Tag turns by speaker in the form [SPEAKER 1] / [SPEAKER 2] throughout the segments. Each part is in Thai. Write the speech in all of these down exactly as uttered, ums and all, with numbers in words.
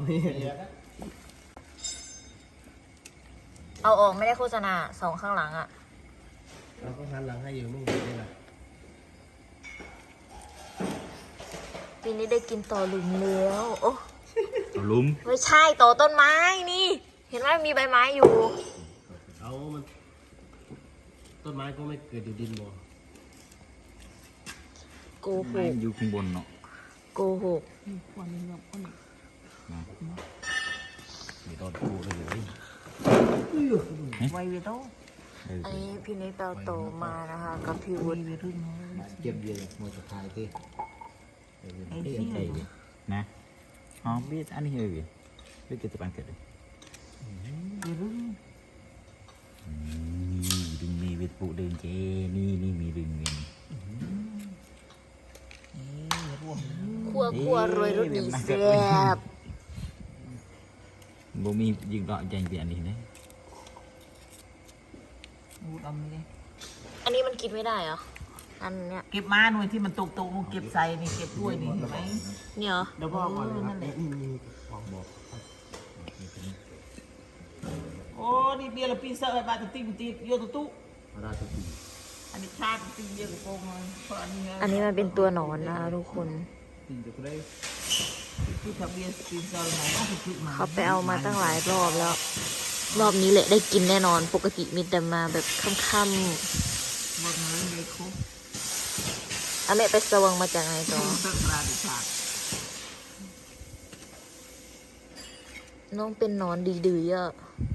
[SPEAKER 1] นี่
[SPEAKER 2] เอาออกไม่ได้โฆษณาสองข้างหลังอ่ะ
[SPEAKER 1] เราก็หันหลังให้อยู่มึงได้ไหม
[SPEAKER 2] ปีนี้ได้กินต่อหลุมแล้วโอ้
[SPEAKER 3] ต่อลุม
[SPEAKER 2] ไม่ใช่ต่อต้นไม้นี่ เห็นไหมมีใบไม้อยู่
[SPEAKER 1] เอามันต้นไม้ก็ไม่เกิดอยู่ดินบ่
[SPEAKER 2] โกหก
[SPEAKER 3] อยู่ข้างบนเนาะ
[SPEAKER 2] โกหก
[SPEAKER 3] นะมีตอนพูดเลย
[SPEAKER 2] ไวเวโต้อันนี้พี่นิกเปาโตมานะคะกับพี่วุฒิ
[SPEAKER 1] เก็บเยอะหมดสุดท้ายที่ไอ้เหี้ย
[SPEAKER 3] นะอ๋อbiết anh hiểu gì biết cái tập ăn kẹt đấy đừng mì vịt phụ đường chê ni ni mì đường này
[SPEAKER 2] คั่วคั่วรวยรสดีแซ่บ
[SPEAKER 3] บ่มียิงดอกใจเปลี่ยนนี่นะ
[SPEAKER 4] ดูดำเลย
[SPEAKER 2] อันนี้มันกินไม่ได้เหรออันเนี้ย
[SPEAKER 4] เก็บมาหน่วยที่มันตกตกเก็บใส่นี่เก็บด้วยนี่เห็นไหม
[SPEAKER 2] เนี่ยเหรอ
[SPEAKER 1] เดี๋ยวพ่อก่อนเลยครับนี่มีบอกบอก
[SPEAKER 4] โอ้นี่เบียร์ละปีเซอร์บาตติมตีโยตุตุ
[SPEAKER 1] ราชสี
[SPEAKER 4] อันนี้ชาติตีเยอะกว่าโกงเลยเพราะอันนี้
[SPEAKER 2] อันนี้มันเป็นตัวหนอนนะทุกคน
[SPEAKER 4] ที่ทะเบียนปีเซอร์ไหนต้องไปซื้อมา
[SPEAKER 2] เขาไปเอามาตั้งหลายรอบแล้วรอบนี้แหละได้กินแน่นอนปกติมีแต่มาแบบค่ำ
[SPEAKER 4] หมดเลยเลยครบ
[SPEAKER 2] ๆอ่ะแม่ไปสว่างมาจากไหนต่อน้องเป็นนอนดีๆอ่ะ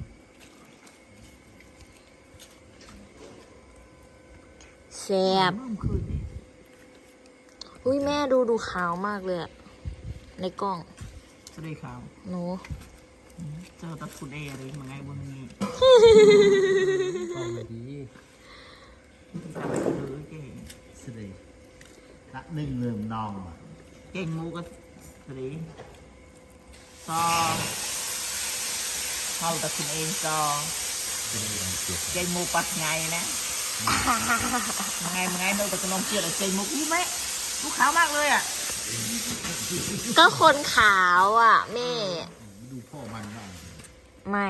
[SPEAKER 2] แซ่บอุ้ยแม่ดูดูขาวมากเลยอะในกล้อง
[SPEAKER 4] จะได้ขาว
[SPEAKER 2] หนู
[SPEAKER 4] เจอตัดฝุ่นเออะไรมาไงบนนี้
[SPEAKER 1] กล้องดี
[SPEAKER 4] ทำไปเลยเก่ง
[SPEAKER 1] สิละหนึ่งเริ่มนอง
[SPEAKER 4] เก่งมูก็สิซอเข้าตัดฝุ่นเองซอเก่งมูปักไงนะมังไงมังไงโดนตะกนองเกียร์เจมุกนี่ไหมลูกขาวมากเลยอ่ะ
[SPEAKER 2] ก็คนขาวอ่ะแม่
[SPEAKER 1] ดูพ่อมันบ้าง
[SPEAKER 2] ไม่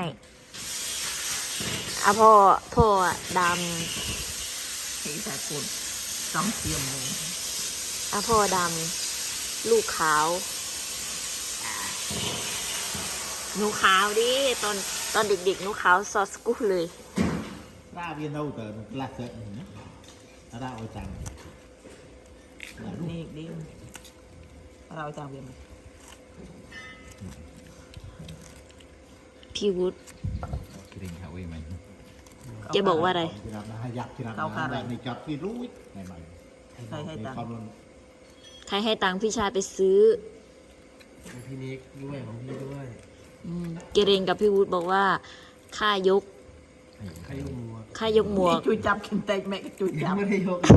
[SPEAKER 2] อะพ่อพ่อด
[SPEAKER 4] ำสีสากลสองเทียมเลย
[SPEAKER 2] อะพ่อดำลูกขาวหนูขาวดิตอนตอนเด็กๆหนูขาวซอสกุ้เลย
[SPEAKER 1] ราเวียนเอาแต่กลักเสร็จนะราเอาจัง
[SPEAKER 4] นี่ดิเราจังเวียน
[SPEAKER 2] พี่วุฒิ
[SPEAKER 3] กิริงเขาเว้ยมัน
[SPEAKER 2] จะบอกว่าอะไร
[SPEAKER 1] อยากที่นั่นนะในจับที่รู้ในใหม่
[SPEAKER 4] ใครให้ตังค์
[SPEAKER 2] ใครให้ตังค์พี่ชายไปซื้อ
[SPEAKER 1] พี่นิกด้วยของพี่ด้วย
[SPEAKER 2] เกเรนกับพี่วุฒิบอกว่าค่ายก
[SPEAKER 1] ค่ายกหมวก
[SPEAKER 2] ค่ายกหมวก
[SPEAKER 4] จุยจับกินเต็กแม่จุยจับ
[SPEAKER 1] ไม่ได้ยก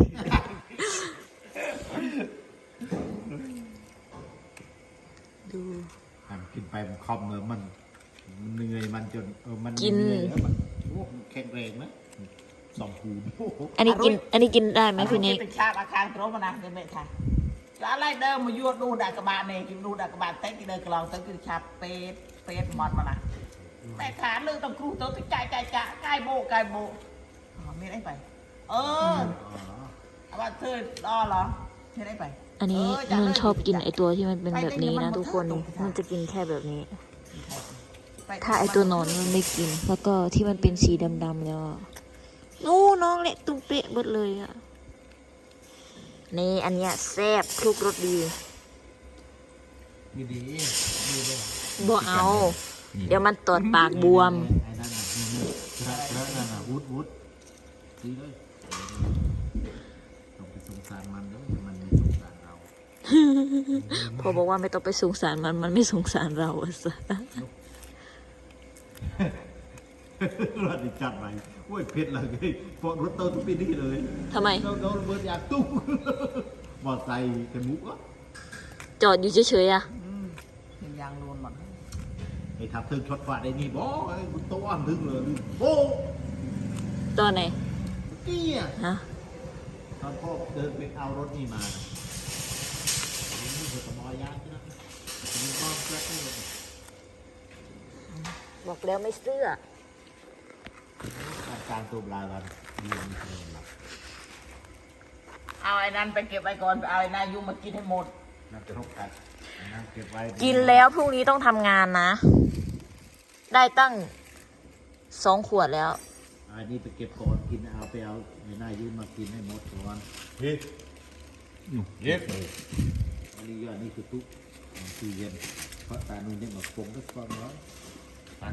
[SPEAKER 2] ดู
[SPEAKER 1] กินไปมันคอมเลยมันมันเหนื่อยมันจนเออมันกินแล้วมันโอ้แข็งแรงนะสองคู
[SPEAKER 2] อันนี้กินอันนี้กินได้ไหมพี่นิก
[SPEAKER 4] เป็นชาบอาคารโปรมานะเด็กๆค่ะแล้วอะไรเดิมมายวดดูดักกระบาลเนี่ยกินดูดักกระบาลเต็กกินเดินกลองเต็กกินชาเป็ดเป็ดมอดมานะแต่ขาเรื่องต้องครูตัวติดใจใจจะใกล้โบใกล้โบไม่ได้ไปเออเอาว่าเธอรอเหรอไม่ได้ไป
[SPEAKER 2] อันนี้มันชอบกินไอตัวที่มันเป็นแบบนี้นะทุกคนมันจะกินแค่แบบนี้ถ้าไอตัวนอนมันไม่กินแล้วก็ที่มันเป็นสีดำๆแล้วนู้น้องเละตุ้มเป๊ะหมดเลยอ่ะนี่อันเนี้ยแซ่บคลุกรสดี
[SPEAKER 1] ดีดี
[SPEAKER 2] บ่เอาเดี๋ยวมันตอดปากบวม
[SPEAKER 1] ไอ้นั่นน่ะแล้วนั่นน่ะวุดวุดดีเลยต้องไปสงสารมันแล้วมันไม่สงสารเรา
[SPEAKER 2] พอบอกว่าไม่ต้องไปสงสารมันมันไม่สงสารเราอะสิ
[SPEAKER 1] รถดิจัดไปโอ้ยเพชรเลยปอดรถโตทุกปีนี่เลย
[SPEAKER 2] ทำไม
[SPEAKER 1] โดนโดนเบิร์ดยาตุ้มบอดใส่กันมุกอ่ะ
[SPEAKER 2] จอดอยู่เฉยๆอ่ะ
[SPEAKER 4] เป็นยางโดนหมด
[SPEAKER 1] ไอ้ทับถึงช็อตฝาได้นี่บอไอ้บุตรอ้อนถึงเลยโอ้
[SPEAKER 2] ตอนไหน
[SPEAKER 1] กี้อ่ะ
[SPEAKER 2] ฮะ
[SPEAKER 1] ตอนพ่อเดินไปเอารถนี่มานี่เธอตะมอยยางใช่ไหมมันก็แกล้งเลย
[SPEAKER 2] บอกแล้วไม่เสื้อ
[SPEAKER 1] การการตัวปลายวันเรียนเลยหลับ
[SPEAKER 4] เอาไอ้นั้นไปเก็บไว้ก่อนเอาไอ้นายุมากินให้หมด
[SPEAKER 1] น่าจะรบกันนะเก็บไว้
[SPEAKER 2] กินแล้วพรุ่งนี้ต้องทำงานนะ ได้ตั้งสองขวดแล้ว
[SPEAKER 1] อันนี้ไปเก็บก่อนกินเอาไปเอาในหน้ายืนมากินให้หมดก่อน
[SPEAKER 3] เฮ้ยเย็บ
[SPEAKER 1] อันนี้ยอดนี่คือตุ๊กตู้เย็นเพราะตานุ่นเนี่ยมาปงก็ฟังแล้วตัน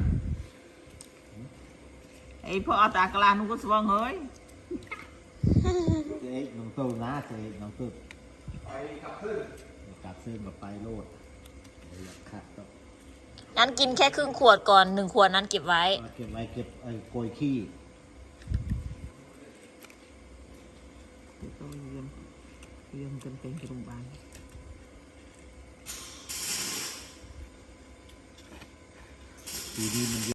[SPEAKER 4] ไอ้พ่อเอาตากลานุก็สว่างเฮ้ย
[SPEAKER 1] เจ๊น้องตู้นะเจ๊น้องตู้ไปกับเพื่อนกับเพื่อนมาไปโลดอยากขัดต้อง
[SPEAKER 2] งั้นกินแค่ครึ่งขวดก่อนหนึ่งขวดนั้นเก็บไว้
[SPEAKER 1] เอาเก็บไว้เก็บไอ้โกยขี้
[SPEAKER 4] tôi yên yên cần tên cái đồng bàn
[SPEAKER 1] ทีนี้มัน